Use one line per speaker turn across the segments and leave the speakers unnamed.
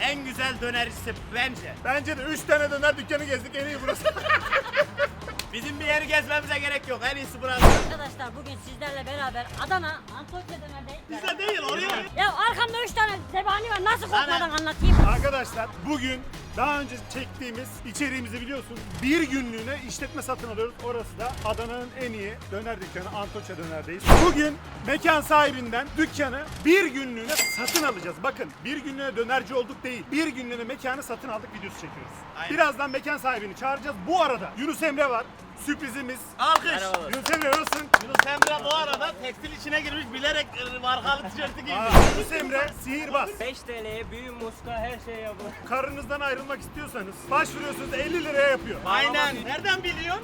en güzel dönercisi bence.
Bence de 3 tane döner dükkanı gezdik, en iyi burası.
Bizim bir yeri gezmemize gerek yok. En iyisi burası.
Arkadaşlar bugün sizlerle beraber Adana Antakya dönerdeyiz.
Bize değil oraya.
Ya arkamda 3 tane zebani var. Nasıl korkmadan anlatayım?
Arkadaşlar bugün daha önce çektiğimiz içeriğimizi biliyorsunuz. Bir günlüğüne işletme satın alıyoruz. Orası da Adana'nın en iyi döner dükkanı Antakya Döner'deyiz. Bugün mekan sahibinden dükkanı bir günlüğüne satın alacağız. Bakın bir günlüğüne dönerci olduk değil. Bir günlüğüne mekanı satın aldık videosu çekiyoruz.
Aynen.
Birazdan mekan sahibini çağıracağız. Bu arada Yunus Emre var. Sürprizimiz.
Alkış.
Yunus Emre nasılsın?
Yunus Emre bu arada tekstil içine girmiş bilerek markalı tişörtü giymiş.
Yunus Emre sihirbaz.
5 TL'ye büyü, muska her şey yapılır.
Karınızdan ayrılmak istiyorsanız başvuruyorsunuz 50 liraya yapıyor.
Aynen. Nereden biliyorsun?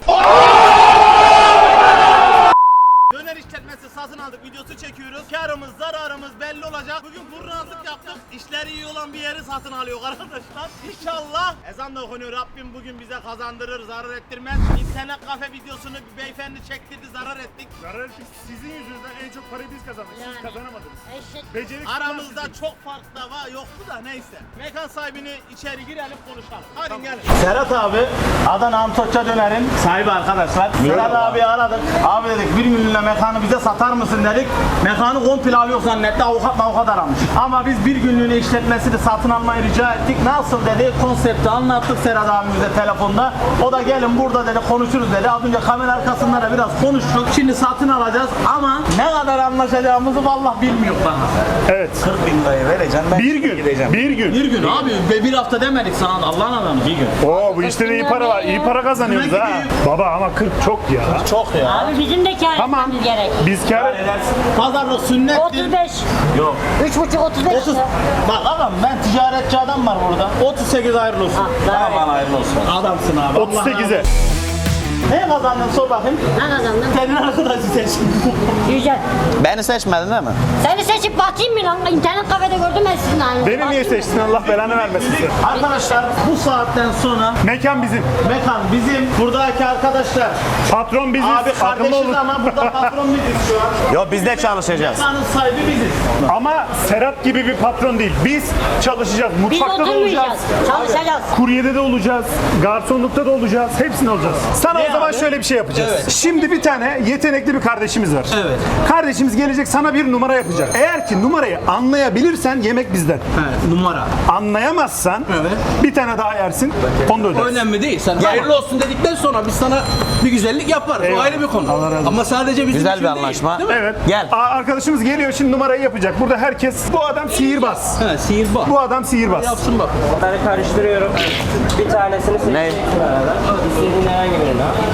Döner işletmesi satın aldık, videosu çekiyoruz. Karımız, zararımız belli olacak. Bugün kurnazlık yaptık. İşleri iyi olan bir yeri satın alıyor arkadaşlar. İnşallah ezan da okunuyor. Rabbim bugün bize kazandırır, zarar ettirmez. İnternet kafe videosunu bir beyefendi çektirdi, zarar ettik.
Zarar ettik. Sizin yüzünüzden en çok parayı biz kazandık. Siz
Yani.
kazanamadınız.
Eşek.
Beceriksizler
Aramızda
sizin.
çok fark da var, yoktu da neyse. Mekan sahibini içeri girelim konuşalım. Hadi gelin.
Serhat abi Adana Antakya Döner'in sahibi arkadaşlar. Serhat abi aradık. Abi dedik bir günlüğüne mekanı bize satar mısın dedik. Mekanı komple alıyor zannetti. Avukat aramış. Ama biz bir günlüğüne işletmesini satın almayı rica ettik. Nasıl dedi. Konsepti anlattık Serhat abimize telefonda. O da gelin burada dedi konuşuruz dedi. Az önce kamera arkasında da biraz konuştuk. Şimdi satın alacağız ama ne kadar anlaşacağımızı vallahi bilmiyor bana.
Evet.
40 bin lirayı vereceğim ben.
Bir gün.
Gideceğim.
Bir gün.
Bir gün abi ve bir hafta demedik sana Allah'ın adamı bir gün.
Oo bu işte de iyi para var. İyi para kazanıyoruz ha. Baba ama 40 çok ya.
Çok ya.
Abi bizim de kâr
Tamam.
etmemiz gerek.
Biz kar
Pazarlık sünnettir.
35.
Yok.
3,5 35
30.
lira.
Bak adam ben ticaretçi adam var burada. 38 hayırlı olsun.
Ah,
Aman hayırlı olsun. Adamsın abi.
38'e.
Ne kazandın sor bakayım.
Ne kazandın?
Senin arkadaşı seç.
Güzel.
Beni seçmedin değil mi?
Seni seçip bakayım mı lan? İnternet kafede gördüm ben sizin halini.
Beni niye seçtin Allah belanı vermesin size.
Arkadaşlar bu saatten sonra
Mekan bizim.
mekan bizim. Buradaki arkadaşlar.
Patron biziz.
Abi
Akıllı
kardeşiz
olun.
ama burada patron biziz şu an.
Yo biz de çalışacağız.
Mekanın sahibi biziz.
Ama Serhat gibi bir patron değil. Biz çalışacağız.
Biz
Mutfakta da olacağız.
oturmayacağız. Çalışacağız.
Kuryede de olacağız. Garsonlukta da olacağız. Hepsini olacağız. Sana o zaman şöyle bir şey yapacağız. Şimdi bir tane yetenekli bir kardeşimiz var.
Evet.
Kardeşimiz gelecek sana bir numara yapacak. Eğer ki numarayı anlayabilirsen yemek bizden.
Evet, numara.
Anlayamazsan
Evet.
bir tane daha yersin. Onu da
O
ödersin.
önemli değil. Sen hayırlı olsun dedikten sonra biz sana bir güzellik yaparız.
Eyvallah.
O ayrı bir konu.
Allah razı olsun.
Ama sadece bizim
Güzel
için
bir
değil,
anlaşma.
değil mi?
Evet.
Gel.
Arkadaşımız geliyor şimdi numarayı yapacak. Burada herkes bu adam sihirbaz.
He, sihirbaz.
Bu adam sihirbaz.
Yapsın bak.
Bunları karıştırıyorum. Bir tanesini seçeceksin arada. İstediğin herhangi birini al.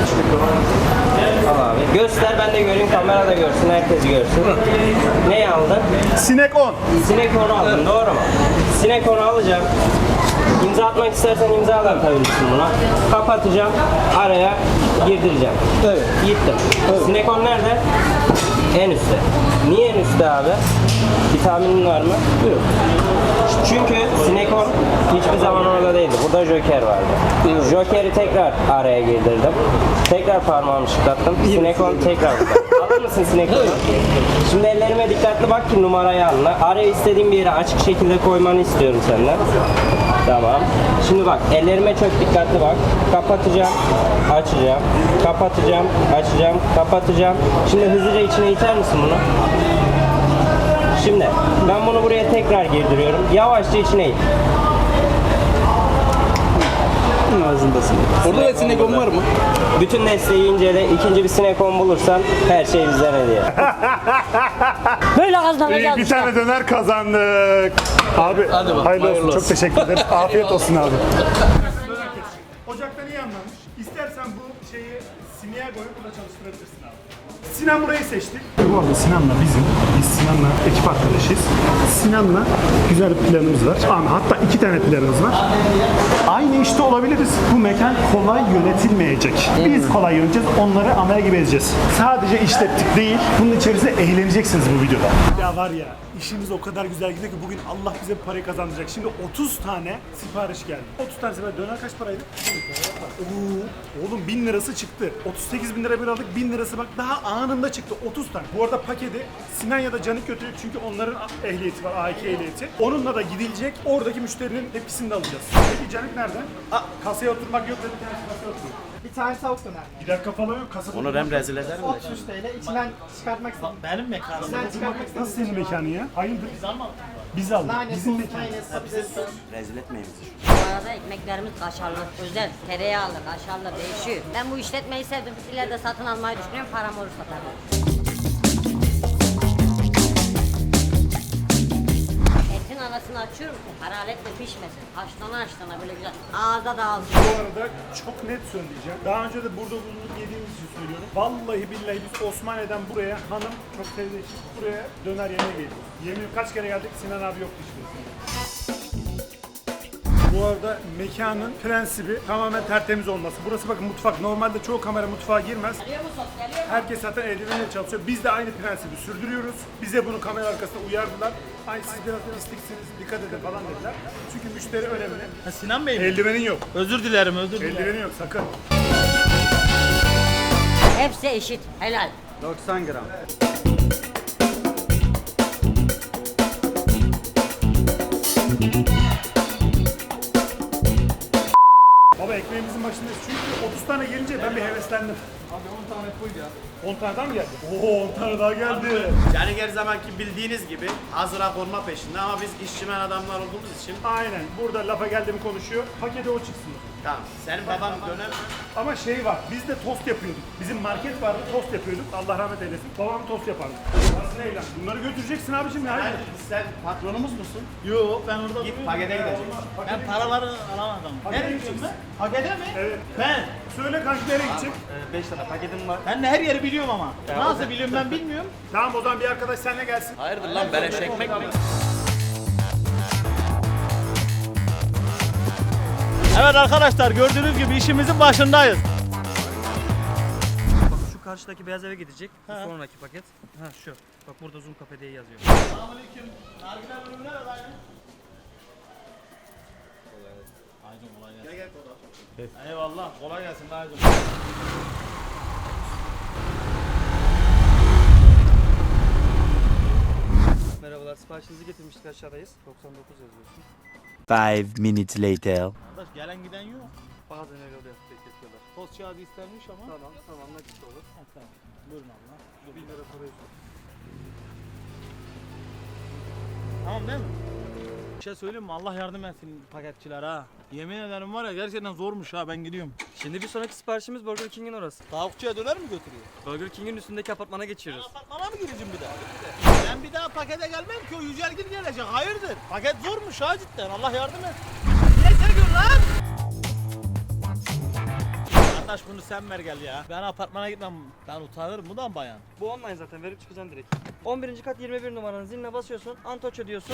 Al abi. Göster ben de göreyim, kamera da görsün, herkes görsün. Neyi aldın?
Sinek 10.
Sinek onu aldın, doğru mu? Sinek onu alacağım. İmza atmak istersen imza atabilirsin buna. Kapatacağım, araya girdireceğim.
Evet.
Gittim. Sinek on nerede? En üstte. Niye en üstte abi? Bir tahminin var mı? Yok. Çünkü Sinekon hiçbir zaman orada değildi. Burada Joker vardı. Joker'i tekrar araya girdirdim. Tekrar parmağımı şıklattım. Sinekon tekrar burada. Alır mısın Sinekon'u? Şimdi ellerime dikkatli bak ki numarayı anla. Araya istediğim bir yere açık şekilde koymanı istiyorum senden. Tamam. Şimdi bak ellerime çok dikkatli bak. Kapatacağım, açacağım, kapatacağım, açacağım, kapatacağım. Şimdi hızlıca içine iter misin bunu? Şimdi ben bunu buraya tekrar girdiriyorum. Yavaşça içine it.
Ağzındasın. Orada da sinekon var mı?
Bütün desteği incele. İkinci bir sinekon bulursan her şey bizden hediye.
Böyle
İyi,
kazanacağız.
bir
işte.
tane döner kazandık. Abi
Hadi bak,
hayırlı
hayırlı
olsun.
olsun.
Çok teşekkür ederim. Afiyet olsun abi. Ocaktan iyi anlamış. İstersen bu şeyi Sinan'a koyup burada çalıştırabilirsin abi. Sinan burayı seçtik. Bu arada Sinan'la biz Sinan'la ekip arkadaşıyız. Sinan'la güzel bir planımız var. Ama hatta 2 tane planımız var. Aynı işte olabiliriz. Bu mekan kolay yönetilmeyecek. Biz kolay yöneteceğiz, onları amele gibi edeceğiz. Sadece işlettik değil, bunun içerisinde eğleneceksiniz bu videoda. Ya var ya, işimiz o kadar güzel gidiyor ki bugün Allah bize bu parayı kazandıracak. Şimdi 30 tane sipariş geldi. 30 tane sipariş. Döner kaç paraydı? Oo, oğlum 1000 lirası çıktı. 38 bin lira bir aldık, 1000 lirası bak daha anında çıktı. 30 tane. Bu arada paketi Sinan ya da Canik götürüyor çünkü onların ehliyeti var, A2 ehliyeti. Onunla da gidilecek. Oradaki müşterinin hepsini de alacağız. Peki Canik nerede? Kasaya oturmak yok dedi. Kendisi kasaya oturuyor.
Bir tane tavuk döner.
Gider kafalı yok. Kasada
Onu ben rezil ederim de.
33 TL içinden çıkartmak istedim.
Benim mekanım.
İçinden çıkartmak istedim.
Nasıl senin mekanın ya? Hayırdır? Biz aldık.
Nane,
Bizim
sos,
mekan.
mayonez, patates.
Rezil etmeyin bizi.
Bu arada ekmeklerimiz kaşarlı, özel, tereyağlı, kaşarlı değişiyor. Ben bu işletmeyi sevdim. İleride satın almayı düşünüyorum. Param olursa tabii. Etin arasını açıyorum ki haraletle pişmesin. Haşlana böyle güzel. Ağza dağılsın.
Bu arada çok net söyleyeceğim. Daha önce de burada bulunup yediğimiz için söylüyorum. Vallahi billahi biz Osmaniye'den buraya hanım çok sevdiği için buraya döner yemeye geliyoruz. Yemin kaç kere geldik Sinan abi yoktu işte. Bu arada mekanın prensibi tamamen tertemiz olması. Burası bakın mutfak. Normalde çoğu kamera mutfağa girmez.
Geliyor mu sos? Geliyor mu?
Herkes zaten eldivenle çalışıyor. Biz de aynı prensibi sürdürüyoruz. Bize bunu kamera arkasında uyardılar. Ay siz biraz pisliksiniz, dikkat edin falan dediler. Çünkü müşteri önemli.
Sinan Bey mi?
Eldivenin yok.
Özür dilerim, özür dilerim.
Eldivenin yok sakın.
Hepsi eşit. Helal.
90 gram.
Baba ekmeğimizin başındayız çünkü 30 tane gelince ben bir heveslendim. Abi 10 tane koy ya. 10 tane daha mı geldi? Oo 10 tane daha geldi.
Yani her zamanki bildiğiniz gibi hazıra konma peşinde ama biz işçimen adamlar olduğumuz için
Aynen burada lafa geldi mi konuşuyor. Pakete o çıksın.
tamam. Senin baban döner mi?
Ama şey var biz de tost yapıyorduk. Bizim market vardı tost yapıyorduk. Allah rahmet eylesin. Babam tost yapardı. Nasıl eylem? Bunları götüreceksin abicim ya.
Hayır, sen patronumuz musun?
Yok ben orada
Git pakete gideceksin.
Ben paraları alamadım.
Pakete
Nereye
gideceksin.
gideceğim ben? Pakete mi?
Evet.
Ben.
Söyle kanka nereye gidecek?
5 tane paketim var.
Ben de her yeri biliyorum ama. Nasıl biliyorum ben bilmiyorum.
Tamam o zaman bir arkadaş seninle gelsin.
Hayırdır lan beleş ekmek mi?
Evet arkadaşlar gördüğünüz gibi işimizin başındayız.
Bak şu karşıdaki beyaz eve gidecek. Bu sonraki paket. Ha şu. Bak burada Zoom Cafe diye yazıyor.
Selamünaleyküm. Nargile ürünler adaylı. Aydın kolay gelsin.
Gel kola.
Eyvallah kolay gelsin Aydın.
Merhabalar, siparişinizi getirmiştik, aşağıdayız. 99 yazıyorsun.
5 minutes later.
Arkadaş gelen giden yok.
Bazen öyle oluyor, bekletiyorlar.
Tost kağıdı istenmiş ama.
Tamam, nakit olur.
Ha, tamam. Buyurun abla.
1000 lira para üstü.
Tamam değil mi? Bir şey söyleyeyim mi? Allah yardım etsin paketçiler ha. Yemin ederim var ya gerçekten zormuş ha ben gidiyorum.
Şimdi bir sonraki siparişimiz Burger King'in orası.
Tavukçuya döner mi götürüyor?
Burger King'in üstündeki apartmana geçiyoruz.
Apartmana mı gireceğim bir daha? Ben bir daha pakete gelmem ki o Yücelgil gelecek. Hayırdır? Paket zormuş ha cidden. Allah yardım et. Niye çekiyorsun lan? Kardeş bunu sen ver gel ya. Ben apartmana gitmem. Ben utanırım. Bu da mı bayan?
Bu online zaten, verip çıkacaksın direkt. 11. kat 21 numaranın ziline basıyorsun, Antoço diyorsun.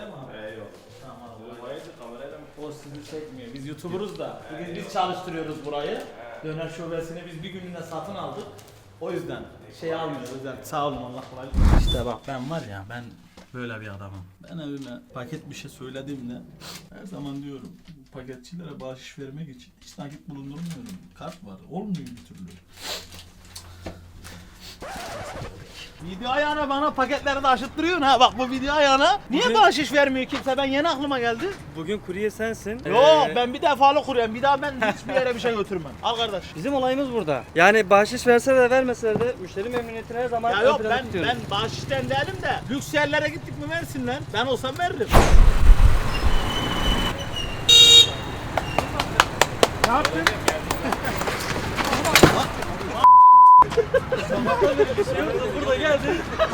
O sizi çekmiyor. Biz YouTuber'uz da. Bugün biz çalıştırıyoruz burayı. Döner şubesini biz bir günlüğüne satın aldık. O yüzden şey almıyoruz. O yüzden sağ olun Allah kolaylık versin. İşte bak ben var ya ben böyle bir adamım. Ben evime paket bir şey söylediğimde her zaman diyorum paketçilere bahşiş vermek için hiç nakit bulundurmuyorum. Kart var. Olmuyor bir türlü. Video ayağına bana paketleri de aşıttırıyorsun ha. Bak bu video ayağına. Niye bahşiş vermiyor kimse? Ben yeni aklıma geldi.
Bugün kurye sensin.
Yok ben bir defalı kuruyorum. Bir daha ben hiçbir yere bir şey götürmem. Al kardeş.
Bizim olayımız burada. Yani bahşiş verse de vermese de müşteri memnuniyetini her zaman
Ya
ön
yok
plana tutuyoruz.
ben bahşişten değilim de lüks yerlere gittik mi versinler. Ben olsam veririm.
Ne yaptın?
Burada geldi.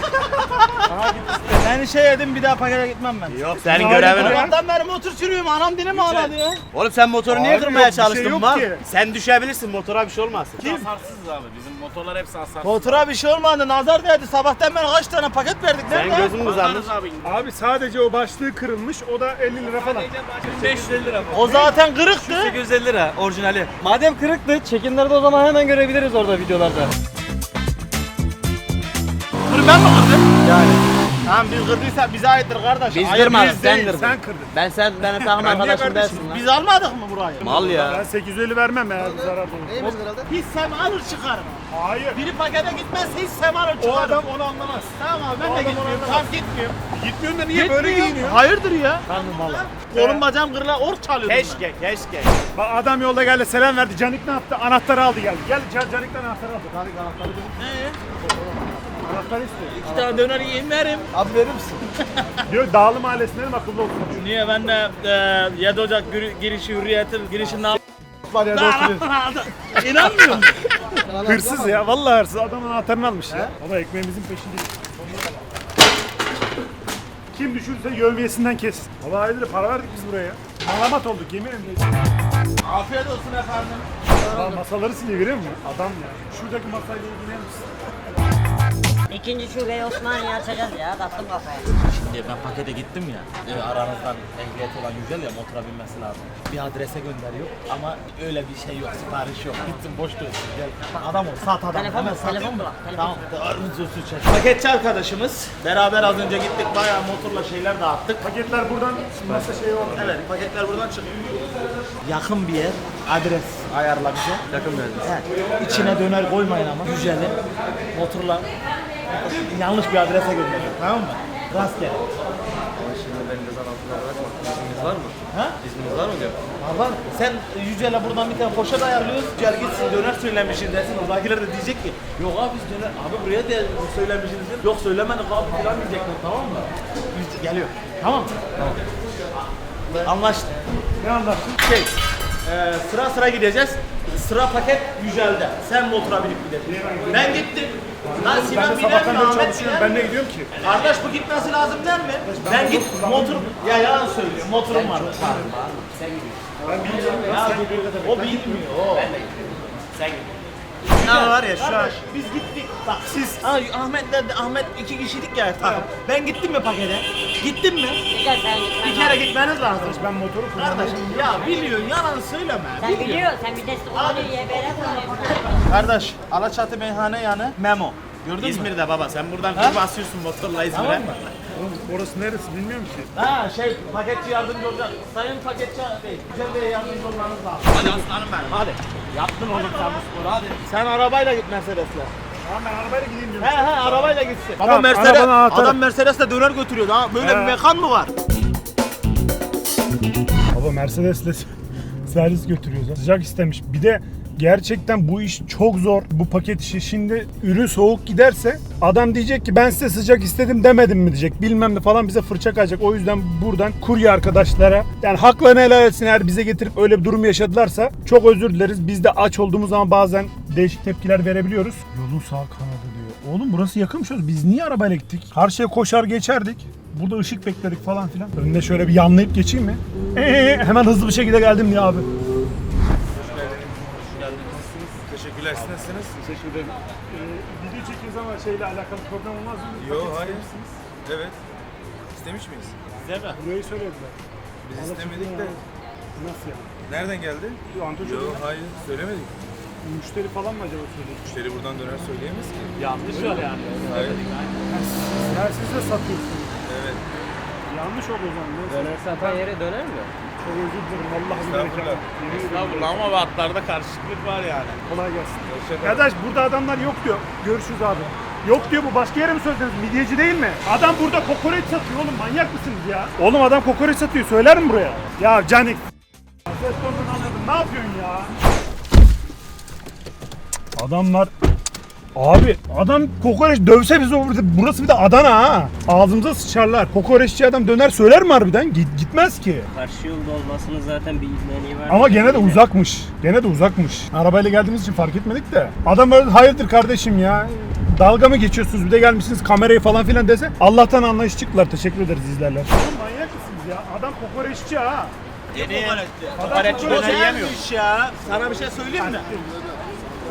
Ben şey yedim bir daha pakete gitmem ben.
Yok senin görevin var.
Sabahtan beri motor sürüyorum anam dilim ağladı ya.
Oğlum sen motoru niye
Abi
kırmaya
yok, bir şey
çalıştın
yok
lan?
ki.
Sen düşebilirsin motora bir şey olmaz.
Hasarsız abi. Bizim motorlar hepsi hasarsız.
Motora bir şey olmadı nazar değdi sabahtan beri kaç tane paket verdik
Sen
nerede?
gözün kızarmış.
abi.
Abi sadece o başlığı kırılmış o da 50 lira falan.
550 lira bu.
O zaten kırıktı.
850 lira orijinali. Madem kırıktı, çekimlerde o zaman hemen görebiliriz orada videolarda.
Dur ben mi kırdım?
Yani
Tamam biz kırdıysak bize aittir kardeş.
Biz
Hayır,
kırmadık,
biz
sen
değil,
kırdın.
Sen kırdın.
Ben benim takım
Ben niye
arkadaşım
kardeşim?
değilsin lan.
Biz almadık mı burayı?
Mal ya.
Ben 850 vermem ya bu zarar olur.
Neyimiz herhalde?
Hiç sem alır çıkarım.
Hayır.
Biri pakete gitmezse hiç sem alır çıkarım.
O adam onu anlamaz.
Tamam abi ben
O
de
adam
gitmiyorum.
onu
Tamam gitmiyorum.
Gitmiyorsun da niye böyle
Gitmiyorum.
giyiniyor?
Hayırdır ya?
Tanrım valla.
Kolum bacağım kırıla ork çalıyordum
Keşke, keşke. Bak adam yolda geldi selam verdi. Canik ne yaptı? Anahtarı aldı geldi. Gel Canik'ten anahtarı aldı. Canik anahtarı dedi.
Ne?
Anahtarı istiyor.
İki tane döner yiyeyim verim.
Abi verir misin?
Diyor Dağlı Mahallesi'ne dedim akıllı olsun.
Niye ben de 7 Ocak girişi hürriyetin girişinden
Var ya oturuyor.
İnanmıyor musun?
Hırsız ya. Vallahi hırsız. Adamın anahtarını almış ya. Baba ekmeğimizin peşindeyiz. Kim düşürse yövmiyesinden kes. Valla hayırdır para verdik biz buraya. Malamat olduk yemin ederim.
Afiyet olsun efendim.
Aa, masaları siliyor görüyor musun? Adam ya. Şuradaki masayla ilgilenir misin?
İkinci şubeyi Osmaniye açacağız ya. Taktım kafaya.
Şimdi ben pakete gittim ya. Aranızdan ehliyet olan Yücel ya motora binmesi lazım. Bir adrese gönderiyor ama öyle bir şey yok, sipariş yok. Gitsin boş dönsün gel. Adam ol, sat adam.
Telefon
Hemen
bul,
sat.
telefon bul.
Tamam, ağrınızı çek.
Paketçi arkadaşımız. Beraber az önce gittik bayağı motorla şeyler dağıttık.
Paketler buradan masa şeyi oldu.
Evet paketler buradan çıkıyor. Yakın bir yer, adres ayarla bize. Yakın bir adres. Evet. İçine döner koymayın ama. Yücel'i motorla yanlış bir adrese gönderiyor. Tamam mı? Rastgele.
Şimdi benim de zan altına bırakma. İzniniz var mı?
Ha?
İzniniz var mı diyor.
Var. Sen Yücel'e buradan bir tane poşet ayarlıyoruz. Yücel gitsin döner söylemişsin dersin. Oradakiler de diyecek ki yok abi biz döner. Abi buraya da söylemişsiniz. Yok söylemedik abi falan diyecekler tamam mı? Yücel geliyor. Tamam mı? Tamam. Anlaştık.
Ne anlattın?
Sıra sıra gideceğiz. Sıra paket Yücel'de. Sen motora binip gideceksin. Ben gittim. Lan
Ben
Sinan
de
biner
sabahtan
mi?
beri
Ahmet
çalışıyorum.
biner
Ben
mi?
ne gidiyorum ki?
Kardeş bu gitmesi lazım der mi? Ben git motor... Ya yalan söylüyor. Motorum var.
Ben bilmiyorum.
Ya o bilmiyor. O. Ben de Sen git. Ne var ya şu an. Biz gittik. Bak siz Ahmet 2 kişilik ya takım. Ben gittim mi pakete? Gittim mi?
Güzel sen
Bir
gitmen
kere
lazım.
gitmeniz lazım.
Ben motoru kullanıyorum.
Kardeşim ya biliyorsun yalan söyleme.
Sen biliyorsun, sen vitesli kullanıyor, YBR kullanıyorsun.
Kardeş Alaçatı meyhane yanı Memo. Gördün mü? İzmir'de baba sen buradan bir basıyorsun motorla İzmir'e. Tamam mı?
Oğlum, orası neresi bilmiyorum ki.
Ha paketçi yardımcı olacak. Sayın paketçi bey, Güzel Bey'e yardımcı olmanız lazım. Hadi aslanım benim hadi. Yaptın oğlum sen bu sporu hadi. Sen arabayla git Mercedes'le.
Tamam ben arabayla gideyim diyorum.
He arabayla gitsin. Baba
Tamam,
Mercedes,
arabanın anahtarı.
adam Mercedes'le döner götürüyor. Ha böyle
He.
bir mekan mı var?
Baba Mercedes'le servis götürüyoruz. Sıcak istemiş. Bir de gerçekten bu iş çok zor. Bu paket işi. Şimdi ürün soğuk giderse adam diyecek ki ben size sıcak istedim demedim mi diyecek. Bilmem ne falan bize fırça kayacak. O yüzden buradan kurye arkadaşlara yani haklarını helal etsin eğer bize getirip öyle bir durum yaşadılarsa çok özür dileriz. Biz de aç olduğumuz zaman bazen değişik tepkiler verebiliyoruz. Yolun sağ kanadı diyor. Oğlum burası yakınmış. Biz niye arabayla gittik? Karşıya koşar geçerdik. Burada ışık bekledik falan filan. Önüne şöyle bir yanlayıp geçeyim mi? Hemen hızlı bir şekilde geldim diye abi.
Teşekkürler, siz nasılsınız?
Teşekkür ederim. Video çekiyoruz ama şeyle alakalı problem olmaz mı?
Yok,
Paket
hayır.
ister misiniz?
Evet. İstemiş miyiz?
Size mi?
Burayı söylediler.
Biz istemedik de.
Nasıl yani?
Nereden geldi?
Antocu
Yok, hayır. Söylemedik.
müşteri falan mı acaba söyledi?
Müşteri buradan döner söyleyemez ki.
Yanlış var yani.
Hayır.
Ya siz de satıyorsunuz.
Evet.
Yanlış oldu o zaman. Neyse.
Döner satan yere döner mi?
Çok özür dilerim. Vallahi billahi.
Estağfurullah.
Estağfurullah ama hatlarda karışıklık var yani.
Kolay gelsin.
Hoşçakalın.
Kardeş burada adamlar yok diyor. Görüşürüz abi. Yok diyor bu başka yere mi söylediniz? Midyeci değil mi? Adam burada kokoreç satıyor oğlum manyak mısınız ya? Oğlum adam kokoreç satıyor söyler mi buraya? Ya Canik. Ses tonunu anladım ne yapıyorsun ya? Adamlar abi adam kokoreç dövse bizi burası bir de Adana ha. Ağzımıza sıçarlar. Kokoreççi adam döner söyler mi harbiden? Gitmez ki.
Karşı yolda olmasının zaten bir izleniği var.
Ama gene de uzakmış. Gene de uzakmış. Arabayla geldiğimiz için fark etmedik de. Adam böyle hayırdır kardeşim ya. Dalga mı geçiyorsunuz bir de gelmişsiniz kamerayı falan filan dese. Allah'tan anlayış çıktılar. Teşekkür ederiz izlerler. Oğlum manyak mısınız ya? Adam kokoreççi ha.
Kokoreççi döner yemiyor. Ya. Sana bir şey söyleyeyim mi?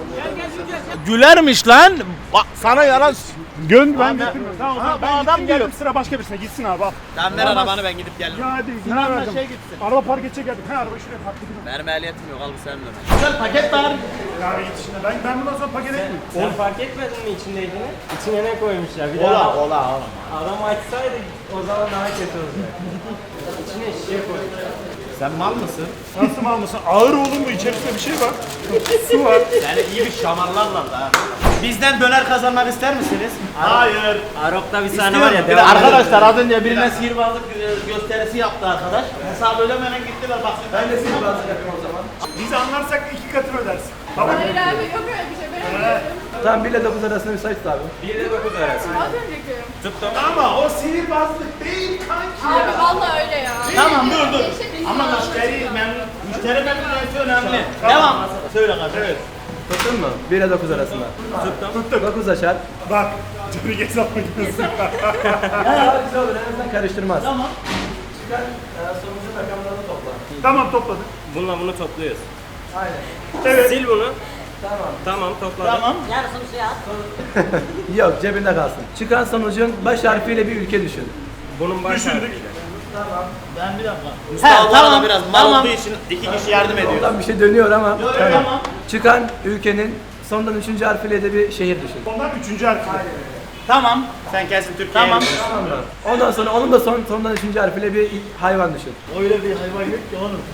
Gülermiş lan. Bak sana yalan.
Ben getirmiyorum. Tamam, o zaman
bu
ben
adam
gittim,
diyor.
geldim, sıra başka birisine gitsin abi al.
Sen ver arabanı ben gidip gelirim.
Ya hadi izin
Sinan'la
verdim.
şey gitsin.
Araba park edecek geldik. He arabayı şuraya park edeyim.
Benim ehliyetim yok al bu senin ömer.
Güzel paket var.
Yani git işine. Ben bundan sonra paket etmeyeyim.
Sen fark etmedin mi içindekiini? İçine ne koymuşlar? Bir
Ola
daha
ola ola.
adam açsaydı o zaman daha kötü olacak. İçine şişe koymuşlar.
Sen mal mısın?
Nasıl mal mısın? Ağır oğlum bu, içerisinde bir şey var. Su var.
Yani iyi bir şamarlarla da.
Bizden döner kazanmak ister misiniz?
Hayır.
Arok'ta bir sahne var ya.
Bir de arkadaşlar az önce birine sihirbazlık gösterisi yaptı arkadaş. Hesabı ödemeden gittiler bak. Ben de sihirbazlık yapıyorum o zaman.
Biz anlarsak 2 katını ödersin. Tamam mı?
Hayır abi yok öyle bir şey. Ben öyle
Tamam 1 ile 9 arasında müsait abi.
1 ile 9 arası.
Az önceki.
Tuttum.
Ama o sihirbazlık değil kanki.
Abi vallahi öyle ya.
Tamam dur.
Değişebilir
Ama
ya.
müşteri memnuniyeti önemli. Devam. Söyle kardeşim. Evet.
Tuttun mu? 1 ile 9 arasında. Tuttum. 9 açar.
Bak. Çocuk hesap makinesi.
Ya güzel olur en azından karıştırmaz.
Tamam.
Çıkar sonucu rakamlarını topla.
Tamam topladık.
Bununla bunu topluyoruz.
Aynen.
Evet.
Sil bunu.
Tamam.
Tamam topladım.
Tamam.
Yarısını suya at.
Yok cebinde kalsın. Çıkan sonucun baş harfiyle bir ülke düşün.
Bunun baş
Düşündük.
harfiyle.
Ben bir dakika.
Mustafa bu arada biraz mal
tamam.
olduğu için 2 kişi yardım ediyor.
Oradan bir şey dönüyor ama.
Tamam.
Çıkan ülkenin sondan 3. harfiyle de bir şehir düşün.
Ondan 3. harfi.
Tamam.
Sen kesin Türkiye'ye
Tamam.
gidiyorsun.
Ondan sonra onun da sondan 3. harfiyle bir hayvan düşün.
Öyle bir hayvan yok ki oğlum.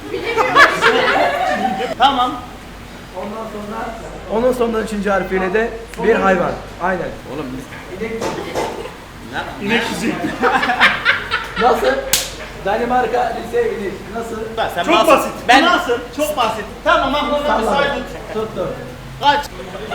Tamam.
Ondan sonra onun sondan 3. harfiyle de bir hayvan. Aynen.
Oğlum
İnek kuzuyu.
Nasıl? Danimarka lise inek. Nasıl?
Sen
Çok
nasıl-
basit.
Ben nasıl? Çok basit. Tamam aklımda bir saydım.
Tuttum.
Kaç?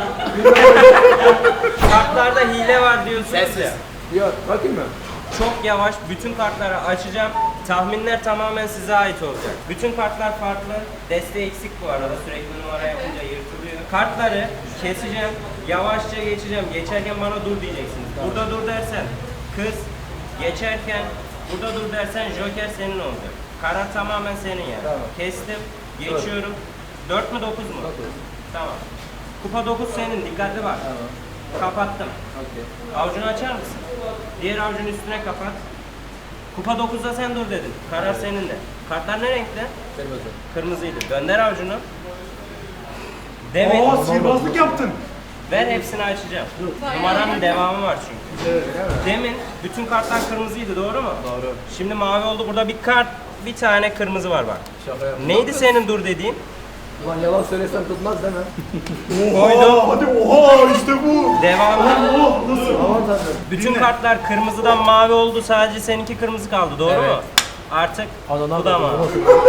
Kartlarda hile var diyorsunuz
Sessiz.
ya.
Yok bakayım mı?
Çok yavaş bütün kartları açacağım. Tahminler tamamen size ait olacak. Bütün kartlar farklı. Desteği eksik bu arada. Sürekli numara yapınca yırtılıyor. Kartları keseceğim. Yavaşça geçeceğim. Geçerken bana dur diyeceksiniz. Burada dur dersen kız. Geçerken burada dur dersen joker senin olacak. Karar tamamen senin yani.
Tamam.
Kestim. Geçiyorum. 4 mü 9 mu? 9. Tamam. Kupa 9 senin. Dikkatli bak. Kapattım. Avucunu açar mısın? Diğer avucun üstüne kapat. Kupa 9'da sen dur dedin. Karar senin de. Kartlar ne renkte?
Kırmızı.
Kırmızıydı. Gönder avucunu. Demin
Oo sihirbazlık yaptın.
ver hepsini açacağım. Numaranın devamı var çünkü. Demin bütün kartlar kırmızıydı doğru mu? Doğru. Şimdi mavi oldu. Burada bir tane kırmızı var bak.
Şaka yaptım.
Neydi senin dur dediğin?
Ulan yalan söylesem tutmaz değil mi?
Oha hadi oha işte bu.
Devamı.
Oh nasıl?
Aman tanrım.
Bütün kartlar kırmızıdan mavi oldu. Sadece seninki kırmızı kaldı. Doğru mu? Artık bu da mavi.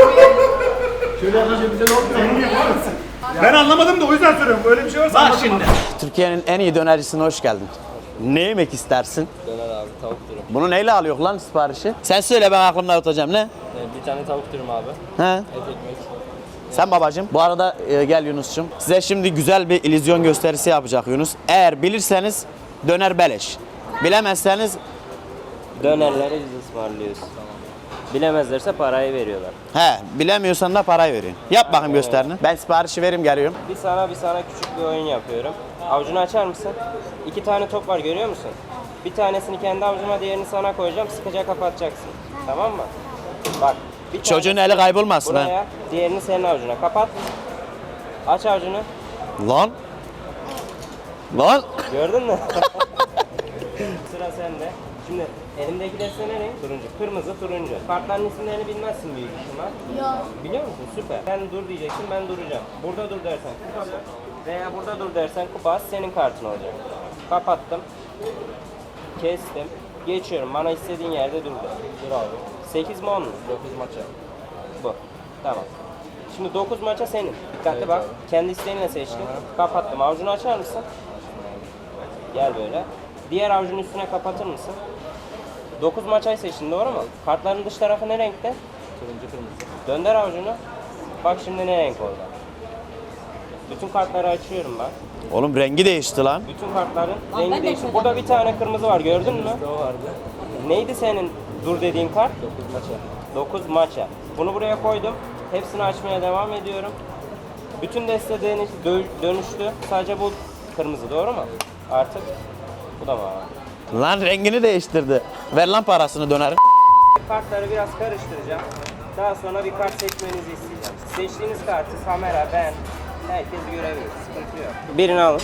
Şöyle yapınca bize ne olmuyor?
Ben anlamadım da o yüzden soruyorum. Böyle bir şey varsa
Bak
anlatın
şimdi.
bana.
Türkiye'nin en iyi dönercisine hoş geldin. Ne yemek istersin?
Döner abi tavuk dürüm.
Bunu neyle alıyor lan siparişi? Sen söyle ben aklımda tutacağım ne?
Bir tane tavuk dürüm abi.
He?
Et ekmek.
Sen babacığım. Bu arada gel Yunus'cum. Size şimdi güzel bir illüzyon gösterisi yapacak Yunus. Eğer bilirseniz döner beleş. Bilemezseniz
Dönerleri biz ısmarlıyoruz. Bilemezlerse parayı veriyorlar.
bilemiyorsan da parayı verin. Yap bakayım gösterini. Ben siparişi vereyim geliyorum.
Bir sana küçük bir oyun yapıyorum. Avucunu açar mısın? 2 tane top var görüyor musun? Bir tanesini kendi avucuma diğerini sana koyacağım. Sıkıca kapatacaksın. Tamam mı? Bak. Bir
Çocuğun
tanesi
eli kaybolmasın ha.
buraya, diğerini senin avucuna. Kapat. Aç avucunu.
Lan. Lan.
Gördün mü? Sıra sende. Şimdi elimdeki deste ne renk? Turuncu. Kırmızı, turuncu. Kartların isimlerini bilmezsin büyük ihtimal.
Yok.
Biliyor musun? Süper. Sen dur diyeceksin, ben duracağım. Burada dur dersen kupa veya burada dur dersen kupa senin kartın olacak. Kapattım. Kestim. Geçiyorum. Bana istediğin yerde dur de. Dur abi. 8 mi 10 mu? 9 maça. Bu. Tamam. Şimdi 9 maça senin. Dikkatli bak. Kendi isteğinle seçtin. Kapattım. Avucunu açar mısın? Gel böyle. Diğer avucun üstüne kapatır mısın? 9 maçay seçtin doğru mu? Kartların dış tarafı ne renkte? Turuncu kırmızı. Dönder avucunu. Bak şimdi ne renk oldu? Bütün kartları açıyorum ben.
Oğlum rengi değişti lan.
Bütün kartların
ben
rengi
de
değişti.
şöyle
Burada bir tane kırmızı var gördün mü? O vardı. Neydi senin dur dediğin kart? 9 maça. 9 maça. Bunu buraya koydum. Hepsini açmaya devam ediyorum. Bütün deste dönüştü. Sadece bu kırmızı, doğru mu? Artık bu da mavi.
Lan rengini değiştirdi. Ver lan parasını dönerim.
Kartları biraz karıştıracağım. Daha sonra bir kart seçmenizi isteyeceğim. Seçtiğiniz kartı kamera, ben, herkes görebilir. Sıkıntı yok. Birini alın.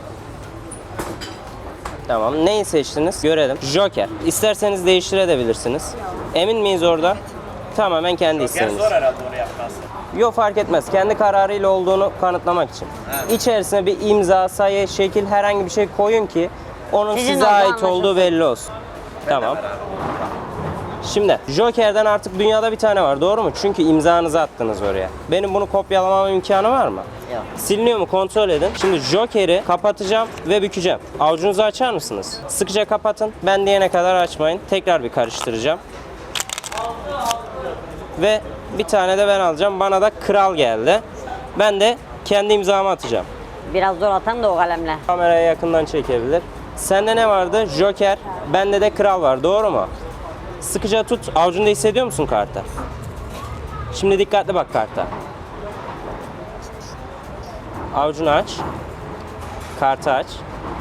Tamam. Neyi seçtiniz? Görelim. Joker. İsterseniz değiştirebilirsiniz. Emin miyiz orada? Tamamen kendi isteğiniz.
Zor herhalde onu yapması.
Yok, fark etmez. Kendi kararıyla olduğunu kanıtlamak için. İçerisine bir imza, sayı, şekil, herhangi bir şey koyun ki onun
Sizin
size
olduğu
ait
anlaşılsın.
olduğu belli olsun. Tamam. Şimdi Joker'den artık dünyada bir tane var, doğru mu? Çünkü imzanızı attınız oraya. Benim bunu kopyalamam imkanı var mı?
Yok.
Siliniyor mu kontrol edin. Şimdi Joker'i kapatacağım ve bükeceğim. Avucunuzu açar mısınız? Sıkıca kapatın. Ben diyene kadar açmayın. Tekrar bir karıştıracağım. Ve bir tane de ben alacağım. Bana da kral geldi. Ben de kendi imzamı atacağım.
Biraz zor atan da o kalemle.
Kameraya yakından çekebilir. Sende ne vardı? Joker. Bende de kral var. Doğru mu? Sıkıca tut. Avucunda hissediyor musun kartı? Şimdi dikkatli bak karta. Avucunu aç. Kartı aç.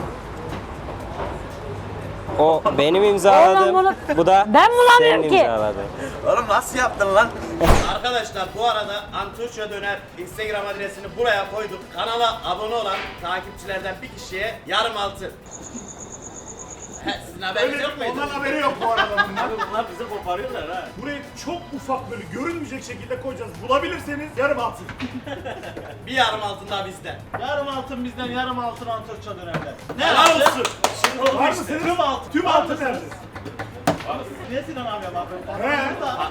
O benim imzaladığım.
Oğlum
Bu da
ben bulamıyorum
senin
ki.
imzaladığın.
Oğlum nasıl yaptın lan?
Arkadaşlar bu arada Anturça Döner Instagram adresini buraya koyduk. Kanala abone olan takipçilerden bir kişiye yarım altın. Sizin haberiniz yok muydu?
Ondan haberi yok bu arada bunlar.
Bunlar bizi koparıyorlar ha.
Burayı çok ufak böyle görünmeyecek şekilde koyacağız. Bulabilirseniz yarım altın.
Bir yarım altın daha bizden. Yarım altın bizden, yarım altın Anturça Döner'den. Ne
Helal
yaptın?
olsun.
Şimdi oldu
Var
işte.
mısınız?
Tüm altın.
Tüm altın nerede?
Niye Sinan abiye bakıyorsun?
He.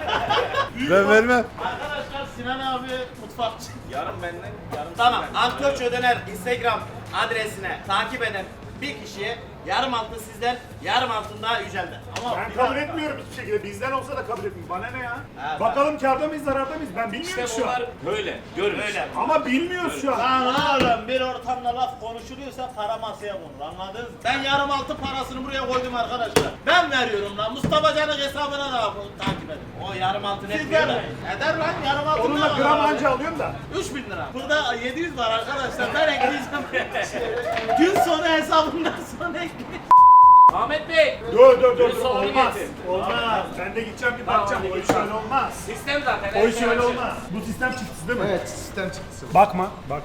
Ben vermem.
Arkadaşlar Sinan abi mutfakçı. Yarım benden, yarım tamam. Anturça Döner Instagram adresine takip eden bir kişiye yarım altın sizden, yarım altın daha Yücel'den. Ama
Ben
bir
kabul
dakika.
etmiyorum hiçbir şekilde. Bizden olsa da kabul etmiyorum. Bana ne ya?
Evet,
Bakalım kârda mıyız, zararda mıyız? Ben bilmiyorum şu an.
Böyle, görün. Öyle.
Ama bilmiyoruz şu an.
Lan oğlum bir ortamda laf konuşuluyorsa para masaya konur, anladınız mı? Ben yarım altın parasını buraya koydum arkadaşlar. Ben veriyorum lan. Mustafa Can'ın hesabına da takip edin. O yarım altın etmiyor da. Eder lan yarım altın.
Onunla gram anca alıyorum da.
3000 lira. Burada 700 var arkadaşlar. Ben ekleyeceğim. Gün sonu hesabından sonra ekleyeceğim.
Ahmet Bey.
Dur.
Sonra
Olmaz.
getir.
Olmaz. Ben de gideceğim bir bakacağım. O iş öyle olmaz.
Sistem zaten.
O iş öyle olmaz. Bu sistem çıktısı değil mi?
Evet, sistem çıktısı.
Bakma.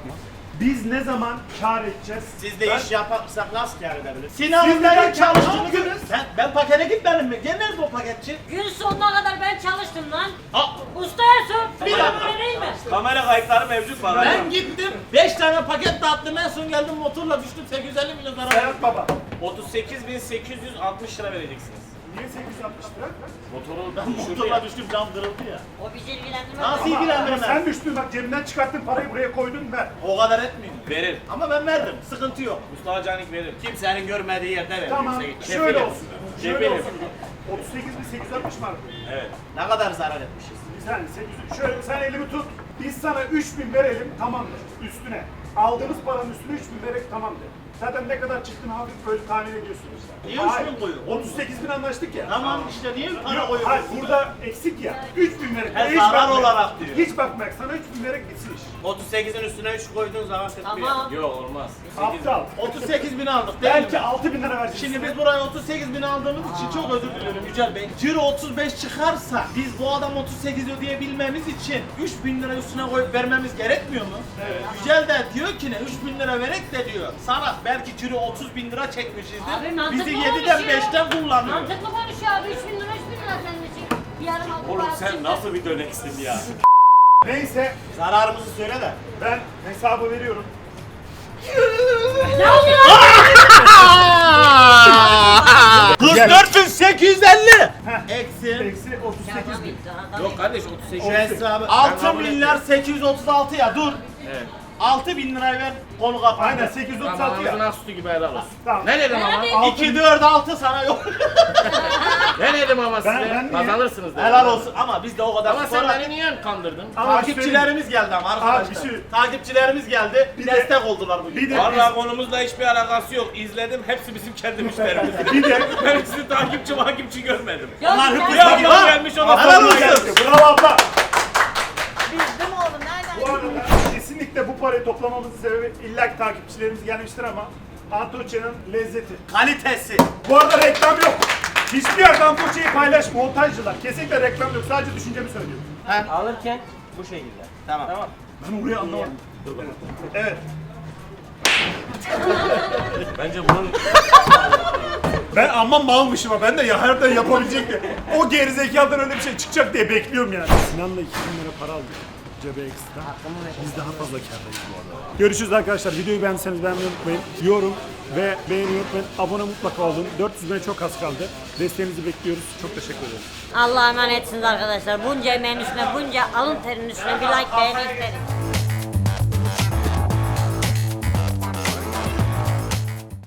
Biz ne zaman kâr edeceğiz?
Siz de iş yaparsak nasıl kâr edebiliriz?
Siz
Sinan'ın
neden
nereye çalıştığını
çalıştınız?
görün. Ben pakete gitmedim mi? Gel nerede o paketçi?
Gün sonuna kadar ben çalıştım lan.
Aa,
Usta Ersoy. Bir
dakika.
vereyim mi?
Kamera kayıtları mevcut var.
ben gittim 5 tane paket dağıttım en son geldim motorla düştüm 850 milyon zarar.
Serhat Baba.
38.860 lira vereceksiniz.
Niye 860 lira?
Motorla düştüm cam kırıldı ya.
O bizi ilgilendirmez.
Nasıl
Ama
ilgilendirmez?
sen düştün bak cebimden çıkarttın parayı buraya koydun ver.
O kadar etmiyor.
Verir.
Ama ben verdim. Sıkıntı yok.
Mustafa Canik verir.
Kimsenin görmediği yerde verir.
Tamam
Kimse-
şöyle
Kefilim.
olsun. Şöyle
Kefilim.
olsun. 38.860 mı?
Evet.
Ne kadar zarar etmişiz.
Sen 800. Şöyle sen elimi tut. Biz sana 3000 verelim tamamdır üstüne. Aldığımız paranın üstüne 3000 vererek tamamdır. Zaten ne kadar çıktın hafif böyle tahmin ediyorsun işte.
Niye
Hayır,
3000 koyuyor?
38.000 anlaştık ya.
Tamam işte niye para
Yok,
koyuyorsun?
hayır burada eksik ya. 3000 vererek.
He,
Hiç
zarar
bakma.
olarak diyor.
Hiç bakma sana 3000 vererek bitsin iş.
38'in üstüne 3 koyduğun zaman tutmuyor.
Tamam.
Yok olmaz.
Aptal.
38 bin aldık değil
Belki
mi?
6000 lira vereceğiz.
Şimdi biz buraya 38 bin aldığımız için çok özür diliyorum Yücel Bey. Ciro 35 çıkarsa biz bu adam 38 ödeyebilmemiz için 3 bin lira üstüne koyup vermemiz gerekmiyor mu? Evet. Yücel de diyor ki ne 3 bin lira verek de diyor. Sana belki Ciro 30 bin lira çekmişizdir.
Abi mantıklı
Bizi
konuşuyor.
7'den 5'ten kullanıyor.
Mantıklı konuşuyor abi. 3 bin lira senin için. Bir yarım altın
Oğlum
parası
sen
çıktı.
nasıl bir döneksin ya?
Neyse
Zararımızı söyle de.
ben hesabı veriyorum.
Ne oluyor?
44.850 eksi
Eksi 38.000.
Yok kardeş 38.
şu hesabı 6 milyar 836 ya dur.
Evet.
6 bin lirayı ver konu kapandı.
Aynen 836
Ağzına
ya.
sütü gibi helal olsun.
Tamam.
Ne dedim ama?
2, 4, 6 sana yok.
Ne dedim ama size?
ben niye-
Kazanırsınız dedim.
Helal olsun ama biz de o kadar
Ama sen
sonra
beni niye kandırdın?
Ama
takipçilerimiz geldi ama arkadaşlar.
bir şey-
Takipçilerimiz geldi.
Bir de-
destek oldular bugün.
Bir de
Vallahi konumuzla hiçbir alakası yok. İzledim. Hepsi bizim kendi müşterimiz.
bir de
Ben sizi takipçi görmedim.
Ya
Onlar
sen-
hıpı
Ya
gibi
adam
ha.
gelmiş ona
Helal
sorma
olsun.
geldi.
bravo abla.
Bildim oğlum nereden?
Bu arada kesinlikle bu parayı toplamamızın sebebi illaki takipçilerimiz gelmiştir ama Antoccia'nın lezzeti.
Kalitesi.
Bu arada reklam yok. Hiçbir yerde Antoccia'yı paylaş montajcılar. Kesinlikle reklam yok. Sadece düşüncemi söylüyorum.
Alırken bu şekilde.
Tamam.
Tamam.
Ben orayı anlamadım. Evet.
Bence bunun
Ben amma malmışım ha. Ben de ya harbiden yapabilecekti. O gerizekalıdan öyle bir şey çıkacak diye bekliyorum yani. Sinan'la 2000 lira para aldık. Cebe ekstra. Biz daha fazla kârdayız bu arada. Görüşürüz arkadaşlar. Videoyu beğendiyseniz beğenmeyi unutmayın. Yorum ve beğeni unutmayın. Abone mutlaka olun. 400 bine çok az kaldı. Desteğinizi bekliyoruz. Çok teşekkür ederim.
Allah'a emanetsiniz arkadaşlar. Bunca emeğin üstüne, bunca alın terinin üstüne bir like beğeni isterim.